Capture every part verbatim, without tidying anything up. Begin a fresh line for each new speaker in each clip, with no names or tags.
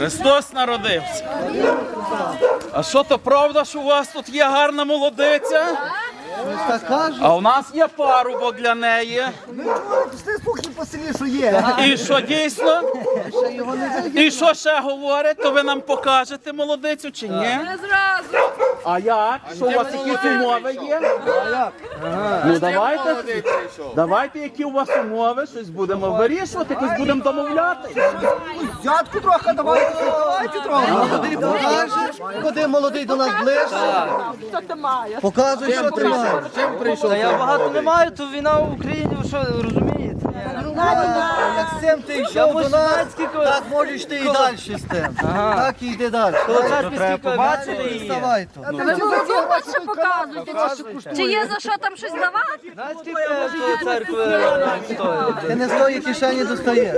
Христос народився. А що то правда, що у вас тут є гарна молодиця? А у нас є парубок для неї.
Слухай по селі, що є.
І що дійсно? І що ще говорить? То ви нам покажете молодицю чи ні?
Не зразу.
А як? Що у вас якісь умови є? Ну давайте, давайте, які у вас умови, щось будемо вирішувати, якось будемо домовляти.
Взятку трохи, давайте, давайте трохи. Молодий покажеш, куди молодий до нас ближче.
Що ти маєш?
Показуй, що ти маєш.
Чим прийшов?
Та я багато не маю, то війна в Україні, ви що, розумієте?
Як з цим ти йшов до нас, так можеш ти і далі з тим. Так і йди далі.
Треба побачити і...
Вставай то.
Ви молодці показуєте. Чи є за що там щось давати?
Знаєте, скільки тої церкви стоїть?
Ти не з тої кишені достаєш.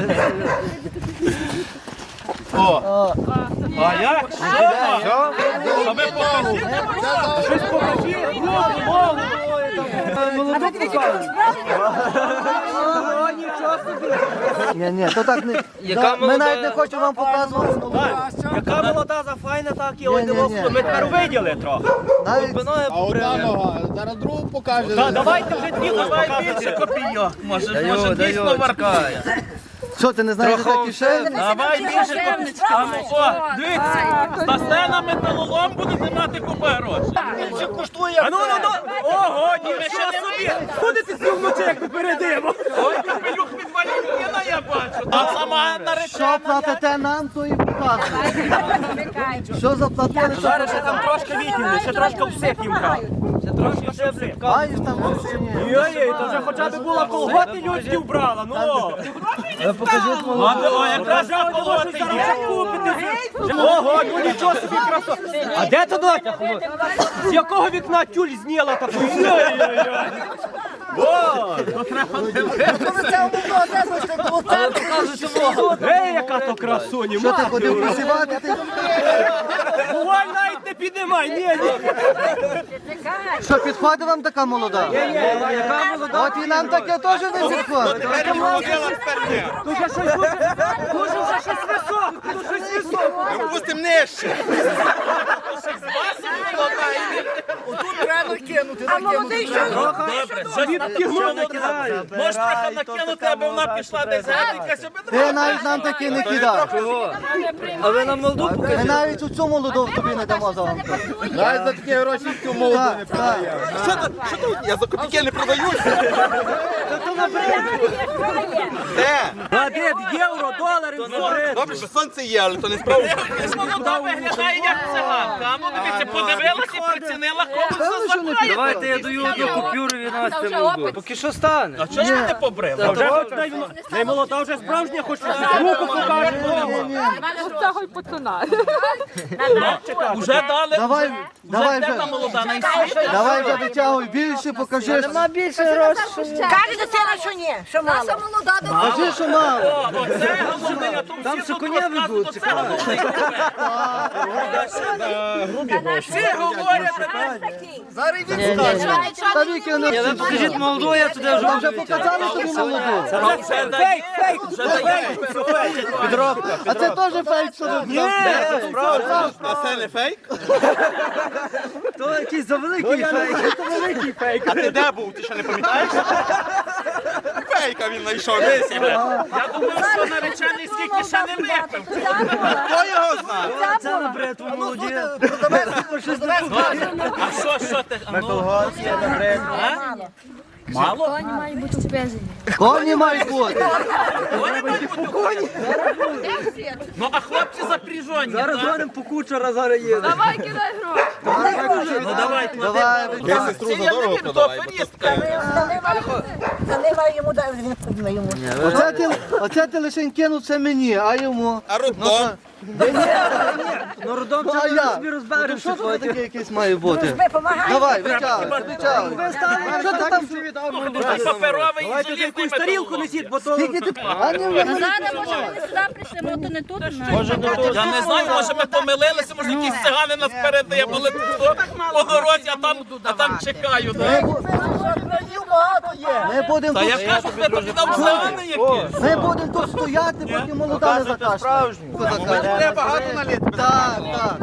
О! А як? Що? А ви покажіть. Щось покажіть. Голову,
Молоду покажуть.
Ні, ні, то так не.
Яка
Да, Ми
молода?
навіть не хочемо вам показувати.
Яка молода за файна, так і
Ні,
ось
ні,
ми
ні.
тепер виділи трохи.
Навіть
Спиною
нога, зараз другу покаже.
Та давайте вже дві
давай
показуйте.
більше копійок. Може,
Даю,
може
даю,
дійсно варкає.
що ти не знаєш, де та кишені?
Давай більше копійок. О, дивіться, стасте на металолом, будете мати купа грошей.
Більше коштує. А ну, ну, ну. Ого, ні,
Ми ще не
собі. Ходите з вночі, як ми перейдемо.
Ой, капелюх від Валентина я бачу. Та сама
Що
наречена.
платите нам, то і показує. Що заплатили, що
Зараз ще там трошки відділи, ще трошки всіх їм брали. Ще трошки ще всіх.
маєш там чи ні?
Йой, то вже хоча б була колготи людські вбрала, ну.
Покажіть молоду.
А, о, якраз на колоти є.
Ого, ну нічого собі красо. А де то дотя? З якого вікна тюль зняла таку? Ей, яка то красуня,
Що ти
мати.
ходив посівати? Ти?
Бувай навіть не піднімай, ні, ні.
Що, підходить вам така молода?
Яка молода?
От і нам таке теж не підходить.
Тут вже щось дуже, дуже вже щось високе, тут щось високе.
Пустим нижче.
А молодий що?
Добре, щось
Відтягнув, накидаю.
Можеш трохи накинути, аби вона пішла десь геть, аби
Ти навіть нам такі не кидаєш.
А ви нам молоду
Ми
покажіть?
навіть у цю молоду тобі не дамо за вам.
Навіть за такі гроші цю молоду не
Так, так.
продає. Я за копійки не продаюся.
А де євро, долари, долари.
Добре, що сонце є, але то не справді.
молода виглядає як циганка. А ну дивіться, подивилася і прицінила комусь за запаю.
Давайте я даю одну купюру і Насті молоду. Поки що стане.
А чого ж ви не побрили?
А вже хоч не молода, вже справжня, хоч руку покаже.
Цього й пацана.
Уже дали,
Давай,
вже
давай
де та
вже.
молода найсвіжа.
Давай вже витягуй більше, покажи.
Нема більше грошей.
Каже дитина, що ні, що мало. Наша молода,
Кажи, що мало.
О, оце голубий, а тут
Там
всі
ще
тут
коня
розказують,
ведуть,
оце голубий. Всі говорять,
Та віки не
Ні, ви покажіть молоду, я туди вже
вже показали тобі молоду.
там вже дають, вже дають.
підробка.
А це теж фейк, що ви
А це не фейк?
То якийсь завеликий фейк.
А ти де був? Ти що не пам'ятаєш? Фейка він знайшов. Десь.
Я думав, що наречений скільки ще не випив.
Хто його знає?
Це на бретву молоді.
А що, що ти? А ну, а? Мало?
Коні мають бути впезені.
Коні мають бути.
Коні мають бути коні. Ну, а хлопці запряжені.
Зараз
так?
дзвонимо по кучера, зараз їде.
Давай кидай гроші.
Ну, давай,
Давай,
клади.
витягуй.
Сестру за дорого продавай, бо то таке.
Заливай йому, дай він йому.
Оце ти, оце ти лише кинув це мені, а йому.
А роддом?
Ну, родом
Ну, а
це
я?
собі
Ну,
розберемося
що тут
потім.
таке якесь має бути?
Помагай.
Давай, витягуй, витягуй. Що ти там?
Тут паперовий і
Давайте
желізний
якусь тарілку
металолом.
несіть, бо то...
Скільки ти? А ні, ви
Зараз, може, вони сюди прийшли, може, то не тут. Може,
Я не знаю, може ми помилилися, може якісь цигани нас передає, були тут по дорозі, а там, а там чекаю. да?
багато є. Ми будемо
Та я
тут,
кажу, ти тобі дав зелений якийсь.
ми будемо тут стояти, поки молода не закашляє.
Треба багато налити.
Так, так.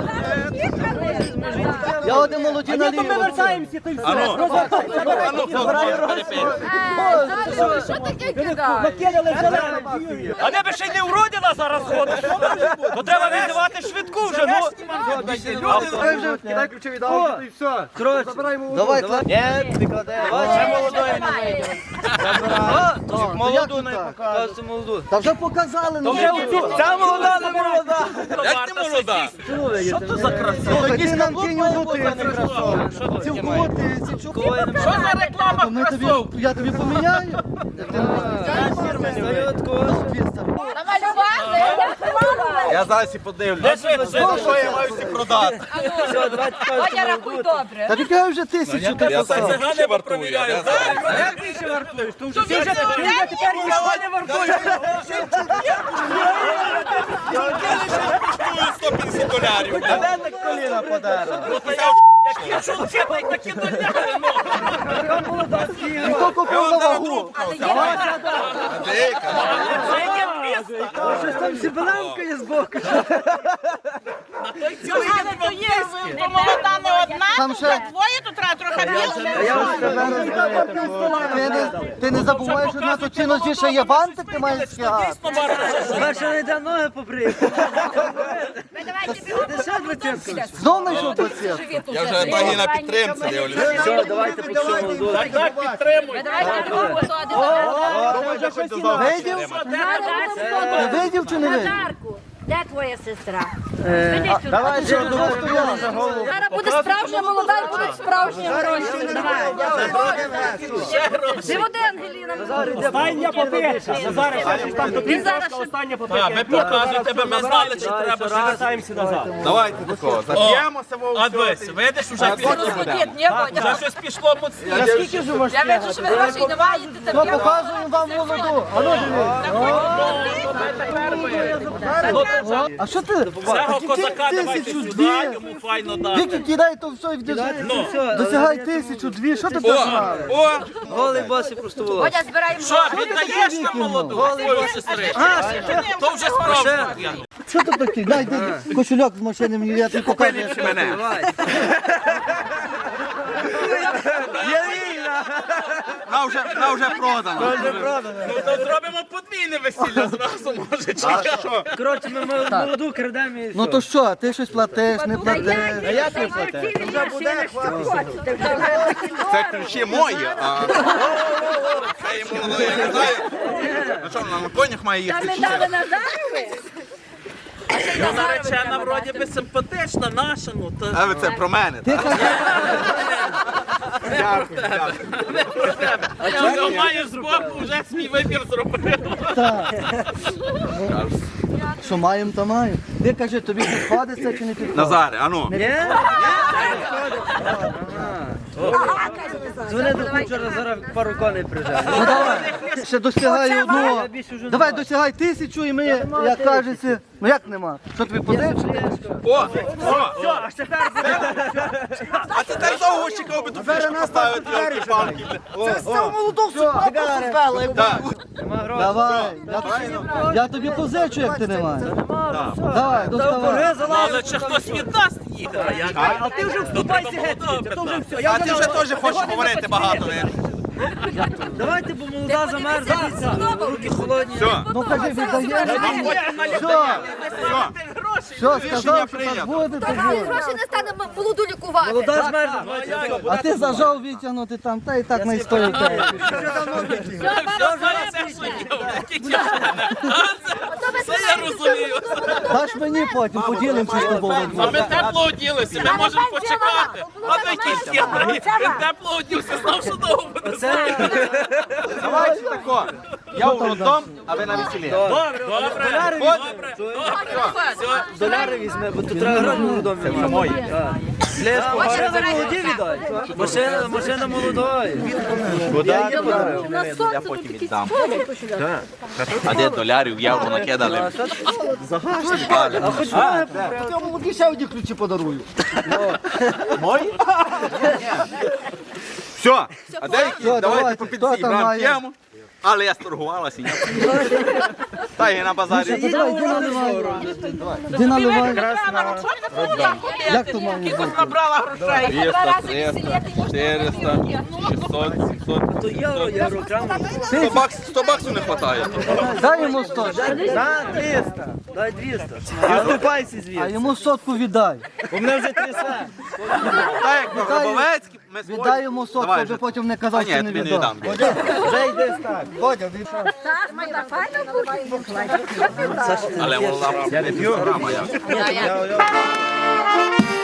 Я один молоді налію.
Ми вертаємося, то й все.
Ану, ану, хто знає, перепий.
Що таке кидаєш?
Накидали зеленим. А де би ще й не уродила зараз ходить? То треба визивати швидку вже, ну.
Кидай ключові дав, і все. Забираємо. Давай, давай. Ні, ти кладеш.
Ще молодої не вийде.
Молоду не
Показуйте молоду.
Та вже показали. ну,
Вже оцю. Ця молода, не молода.
Як ти молода?
Що то за краса?
Слухай, ти нам кинь одну тисячу. Цілкову тисячу.
Що за реклама
Ми тобі,
кросов?
я тобі поміняю.
Я зараз і подивлюся. Що я маю всі продати?
Водя, рахуй добре.
Та ти вже тисячу ти
Я
поставив.
це ще вартую.
Як ти ще вартуєш? Ти вже ти вже тепер нічого не вартуєш.
Коштує сто п'ятдесят долярів.
Так коліна подарок. Якщо вчити, такі доляри, ну.
Хто купив на вагу?
Щось там зібранка є збоку.
Молода не одна,
Там ще...
двоє, то треба трохи більше.
Ти не, ти не забуваєш, що на то чинності ще є бантик, ти маєш скигати.
Перше не йде ноги побрити.
Знов знайшов двадцятку.
Я вже баги на підтримці дивлюся.
Все, давайте по цьому молоду.
Так, так, підтримуй.
Видів? Ти видів чи не видів?
Назарку, де твоя сестра?
Давай, що думав, стояла.
Зараз буде справжня молода і будуть справжні гроші. Давай. Живоди, Ангеліна.
Остання попитка. Назаре, щось там до
Він зараз
півночка, остання
Так,
попитка.
ви показуєте, бо ми знали, чи треба ще.
Вертаємося назад.
Давайте такого. Зап'ємося,
А дивись, видиш, уже
Ні, ні, Водя.
Вже щось пішло моцніше.
Наскільки ж можеш?
Я бачу, що ви грошей не маєте.
Ми показуємо вам молоду. А ну диви. А що ти?
цього козака давайте
Тисячу
сюди,
дві.
йому файно дати.
Віки кидай, то все і вдягай. Досягай тисячу, дві. Що ти
О,
погнали?
о,
Голий босий просто волос.
Водя, збираємо
Що,
гроші.
віддаєш нам молоду? Свою сестричку? То вже справді.
Що ти такий? Дай, дай, кошельок з машини мені, я тобі покажу.
виліпши мене. Вона вже, вона вже продана.
Ну то зробимо подвійне весілля зразу, може, чи що?
Коротше, ми мол- молоду крадемо і
Ну
все.
то що, ти щось платиш, не платиш?
А я не платив.
Це ключі мої, а це йому, ну, я не знаю. Ну що, вона на конях має
Та
їхати?
ми дали Назарові.
Ну, наречена вроді би симпатична, наша, ну то...
А ви це про мене, так? Дякую, дякую.
Я його маю збоку, вже свій вибір зробив.
Що маємо, то маємо. Ти кажи, тобі підходить це чи не підходить?
Назаре, а ну.
Дзвони до кучера, зараз пару коней прижав.
Ну давай, ще досягай одного.
Я більше вже не
Давай,
маю.
досягай тисячу і ми, як кажеться, ну як нема? Що тобі подивишся?
О, о,
Все, аж тепер
а ти так довго чекав би ту фішку поставити, ялки палки. Так.
Давай, я, я тобі позичу, як ти не маєш. Давай, доставай.
Але чи хтось віддасть їх? А як?
А ти вже вступайся геть, звідти, то вже все. Я
А
вже
ти вже
на-
теж хочеш говорити багато, не?
Давайте, бо молода замерзла, дивіться, руки холодні.
Все,
Ну кажи, віддаєш.
потім на
Все,
все.
все,
Рішення
сказав, що
прийнято.
так буде, то
Та
буде.
гроші не стане молоду лікувати.
Молода змерзла, бачите.
А ти зажав витягнути там, та і так не стоїть.
Все, зараз все, що є, які ті. Це я розумію.
Даш мені потім, поділимося з тобою.
А ми тепло оділися, ми можемо почекати. А ви якісь хитрі. Він тепло одівся, знав, що довго буде.
Давайте тако. Я у роддом, а ви на весіллі.
Добре, добре, добре. Все.
Доляри візьме, бо тут треба гроші молодому віддати. Мої. Лешко, машина молоді віддай. Машина, машина молодої.
Я потім віддам. А де долярів, євро накидали?
А хоч ноги
Я молоді ще одні ключі подарую.
Мої? Все. А деякі,
Що,
давайте
давайте,
по
хто
50
там
грам
має?
п'ємо. Але я сторгувалася. Та і на базарі.
Іди наливай. Іди наливай. Як то має бути?
Набрала грошей.
двісті, триста, чотириста, шістсот, сімсот.
То євро, євро, крам.
сто баксів, сто баксів не вистачає.
Дай йому сто.
На, триста. Дай двісті. І вступайся
А
звідси.
йому сотку віддай.
Бо мене вже трясе.
Так як на Гробовецькій, ми
Віддай
свої-
йому сотку,
Давай
аби
вже.
потім не
А
казав,
ні,
що
я
не
тобі не
віддав.
віддам.
Вже йде так.
Бодя, він що?
Але молода. Я не п'ю.